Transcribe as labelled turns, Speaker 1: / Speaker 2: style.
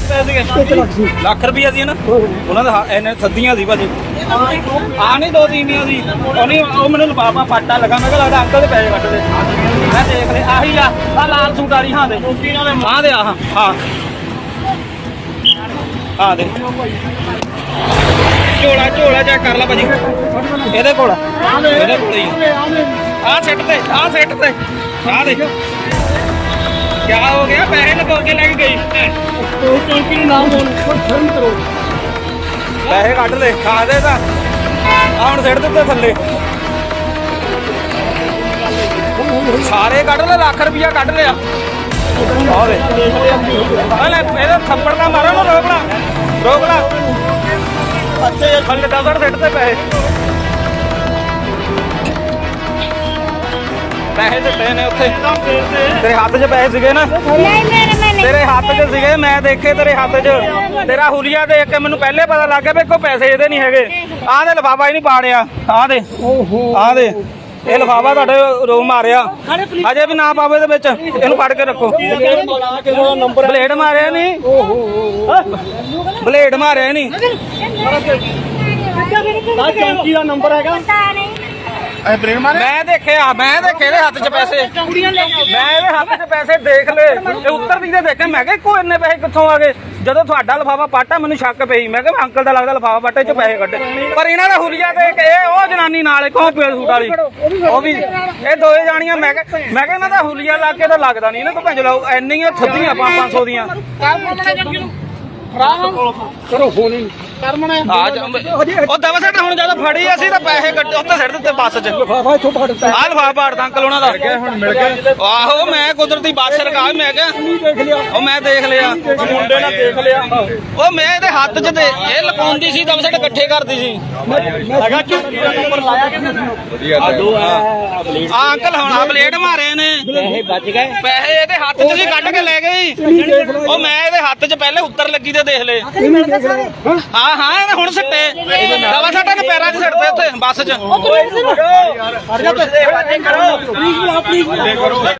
Speaker 1: ਲੱਖ ਰੁਪਈਆ ਸੀ ਨਾ ਉਹਨਾਂ ਦਾ ਇਹਨੇ ਸੱਦੀਆਂ ਸੀ ਭਾਜੀ ਆ ਨਹੀਂ ਦੋ ਤੀਵੀਆਂ ਸੀ ਉਹ ਮੈਨੂੰ ਲਫਾਫਾ ਪਾਟਾ ਲੱਗਾ ਮੈਂ ਕਿਹਾ ਲੱਗਦਾ ਅੰਕਲ ਦੇ ਪੈਸੇ ਕੱਢ ਦੇ ਮੈਂ ਦੇਖ ਲਿਆ ਆਹੀ ਆ ਲਾਲ ਸੂਟ ਵਾਲੀ ਹਾਂ ਦੇ ਆਹ ਦੇ ਆਹ ਹਾਂ ਆ ਦੇ ਝੋਲਾ ਚੈੱਕ ਕਰ ਲੈ ਭਾਜੀ ਇਹਦੇ ਕੋਲ ਹੀ ਆਹ ਸੈੱਟ ਤੇ ਆਹ ਦੇਖ ਕਿਆ ਹੋ ਗਿਆ ਪੈਸੇ ਲਗਾ ਕੇ ਲੈ ਕੇ ਗਈ ਚੌਂਕੀ ਨੂੰ ਨਾਮ ਕਰੋ ਪੈਸੇ ਕੱਢ ਲੈ ਖਾ ਦੇ ਤਾਂ ਆ ਹੁਣ ਸਿੱਟ ਦਿੱਤੇ ਥੱਲੇ ਸਾਰੇ ਕੱਢ ਲੈ ਲੱਖ ਰੁਪਈਆ ਕੱਢ ਲਿਆ ਆ ਵੇ ਇਹਦਾ ਥੱਪੜ ਨਾ ਮਾਰੋ ਨਾ ਰੋਕ ਲਾ ਅੱਛੇ ਥੱਲੇ ਦਾ ਸਿੱਟ ਤੇ ਪੈਸੇ ਦਿੱਤੇ ਨੇ ਉੱਥੇ ਤੇਰੇ ਹੱਥ 'ਚ ਪੈਸੇ ਸੀਗੇ ਨਾ ਤੇਰੇ ਹੱਥ 'ਚ ਸੀਗੇ ਮੈਂ ਦੇਖੇ ਤੇਰੇ ਹੱਥ 'ਚ ਤੇਰਾ ਹੁਲੀਆ ਦੇਖ ਕੇ ਮੈਨੂੰ ਪਹਿਲੇ ਪਤਾ ਲੱਗ ਗਿਆ ਵੀ ਕੋਈ ਪੈਸੇ ਇਹਦੇ ਨਹੀਂ ਹੈਗੇ ਆਹ ਦੇ ਲਿਫਾਫਾ ਹੀ ਨਹੀਂ ਪਾੜਿਆ ਆਹ ਦੇ ਇਹ ਲਿਫਾਫਾ ਤੁਹਾਡੇ ਰੋ ਮਾਰਿਆ ਅਜੇ ਵੀ ਨਾ ਪਾਵੇ ਇਹਦੇ ਵਿੱਚ ਇਹਨੂੰ ਫੜ ਕੇ ਰੱਖੋ ਬਲੇਡ ਮਾਰਿਆ ਨਹੀਂ
Speaker 2: ਚੌਂਕੀ ਦਾ ਨੰਬਰ ਹੈਗਾ
Speaker 1: ਮੈਂ ਦੇਖਿਆ ਇਹਦੇ ਹੱਥ 'ਚ ਪੈਸੇ ਮੈਂ ਇਹਦੇ ਹੱਥ 'ਚ ਪੈਸੇ ਦੇਖ ਲਏ ਇਹ ਉੱਤਰਦੀ ਦੇ ਦੇਖੇ ਮੈਂ ਕਿਹਾ ਇੱਕੋ ਇੰਨੇ ਪੈਸੇ ਕਿੱਥੋਂ ਆ ਗਏ ਜਦੋਂ ਤੁਹਾਡਾ ਲਿਫਾਫਾ ਪਾਟਾ ਮੈਨੂੰ ਸ਼ੱਕ ਪਈ ਮੈਂ ਕਿਹਾ ਅੰਕਲ ਦਾ ਲੱਗਦਾ ਲਿਫਾਫਾ ਪਾਟੇ 'ਚ ਪੈਸੇ ਕੱਢੇ ਪਰ ਇਹਨਾਂ ਦਾ ਹੁਲੀਆ ਦੇਖ ਇਹ ਉਹ ਜਨਾਨੀ ਨਾਲ ਕੌਣ ਪੇ ਸੂਟ ਵਾਲੀ ਉਹ ਵੀ ਇਹ ਦੋਏ ਜਾਣੀਆਂ ਮੈਂ ਕਿਹਾ ਇਹਨਾਂ ਦਾ ਹੁਲੀਆ ਲਾ ਕੇ ਤਾਂ ਲੱਗਦਾ ਨਹੀਂ ਇਹਨਾਂ ਤੋਂ ਭੰਜ ਲਾਓ ਇੰਨੀਆਂ ਥੱਦੀਆਂ 500 ਦੀਆਂ
Speaker 2: ਕਰੋ ਫੋਨ
Speaker 1: ਉਹ ਦਵਾ ਸਾਡਾ ਹੁਣ ਜਦੋਂ ਫੜੀ ਅਸੀਂ ਤਾਂ ਪੈਸੇ ਕੱਢ ਉੱਤੇ ਸਿੱਟ ਦਿੱਤੇ ਬੱਸ 'ਚ
Speaker 2: ਲਿਫਾਫਾ ਇੱਥੋਂ ਫੜ ਦਿੱਤਾ
Speaker 1: ਆਹ ਲਿਫਾਫਾ ਪਾੜਦਾ ਅੰਕਲ ਉਹਨਾਂ ਦਾ
Speaker 2: ਹੁਣ ਮਿਲ ਗਿਆ
Speaker 1: ਆਹੋ ਮੈਂ ਕੁਦਰਤੀ ਬੱਸ ਰਕਾ ਮੈਂ ਕਿਹਾ ਉਹ ਮੈਂ ਦੇਖ ਲਿਆ
Speaker 2: ਮੁੰਡੇ ਨੇ ਦੇਖ ਲਿਆ
Speaker 1: ਉਹ ਮੈਂ ਇਹਦੇ ਹੱਥ 'ਚ ਤੇ ਇਹ ਲਪਾਉਂਦੀ ਸੀ ਦਵਾ ਸਾਡੇ ਇਕੱਠੇ ਕਰਦੀ ਸੀ
Speaker 2: ਹੈਗਾ ਚੌਂਕੀ ਦਾ ਨੰਬਰ ਲਾਇਆ ਕਿ
Speaker 1: ਆ ਅੰਕਲ ਹੁਣ ਬਲੇਡ ਮਾਰੇ ਨੇ
Speaker 2: ਪੈਸੇ ਬਚ ਗਏ
Speaker 1: ਪੈਸੇ ਇਹਦੇ ਹੱਥ 'ਚ ਸੀ ਕੱਢ ਕੇ ਲੈ ਗਈ ਉਹ ਮੈਂ ਇਹਦੇ ਹੱਥ 'ਚ ਪਹਿਲੇ ਉੱਤਰ ਲੱਗੀ ਤੇ ਦੇਖ ਲਏ ਹਾਂ ਇਹਨੇ ਹੁਣ ਸਿੱਟੇ ਦਵਾ ਸਾਡਾ ਨੇ ਪੈਰਾਂ 'ਚ ਸਿੱਟਦੇ ਉੱਥੇ ਬੱਸ 'ਚ